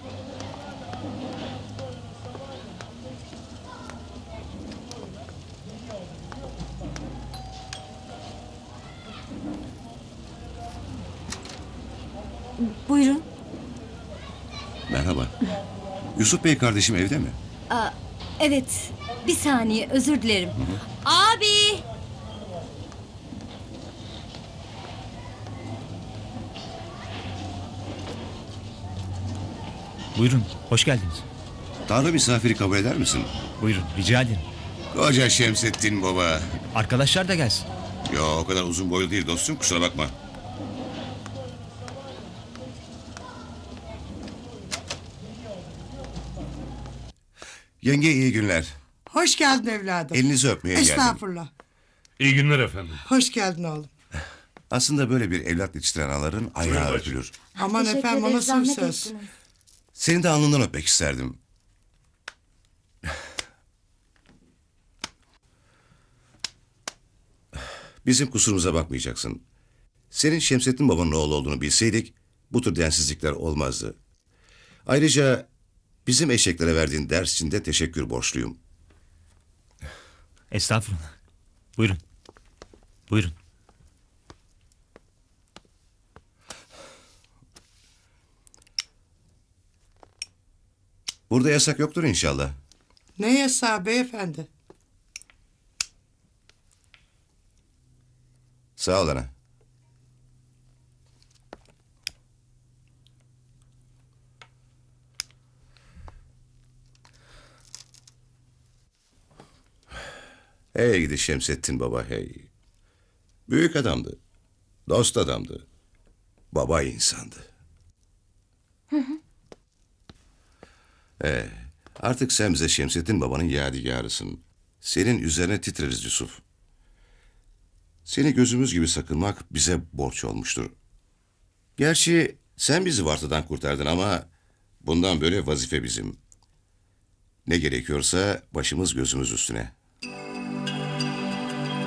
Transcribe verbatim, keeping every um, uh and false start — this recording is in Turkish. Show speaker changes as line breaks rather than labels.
Buyurun.
Merhaba. Yusuf Bey kardeşim evde mi?
Aa, evet. Bir saniye, özür dilerim. Abi!
Buyurun, hoş geldiniz.
Tanrı misafiri kabul eder misin?
Buyurun, rica ederim.
Koca Şemsettin baba.
Arkadaşlar da gelsin.
Yo, o kadar uzun boylu değil dostum, kusura bakma. Yenge iyi günler.
Hoş geldin evladım.
Elinizi öpmeye geldim.
Estağfurullah.
İyi günler efendim.
Hoş geldin oğlum.
Aslında böyle bir evlat yetiştiren anaların ayağı
bacım.
öpülür.
Aman
Teşekkür
efendim o
ederiz,
nasıl bir
zahmet
söz?
ettiniz.
Seni de alnından öpmek isterdim. Bizim kusurumuza bakmayacaksın. Senin Şemsettin babanın oğlu olduğunu bilseydik bu tür densizlikler olmazdı. Ayrıca bizim eşeklere verdiğin ders için de teşekkür borçluyum.
Estağfurullah. Buyurun. Buyurun.
Burada yasak yoktur inşallah.
Ne yasağı beyefendi?
Sağ ol ana. Hey gidi Şemsettin baba hey. Büyük adamdı. Dost adamdı. Baba insandı. Ee, artık sen bize Şemsettin babanın yadigarısın. Senin üzerine titreriz Yusuf. Seni gözümüz gibi sakınmak bize borç olmuştur. Gerçi sen bizi vartadan kurtardın ama bundan böyle vazife bizim. Ne gerekiyorsa başımız gözümüz üstüne.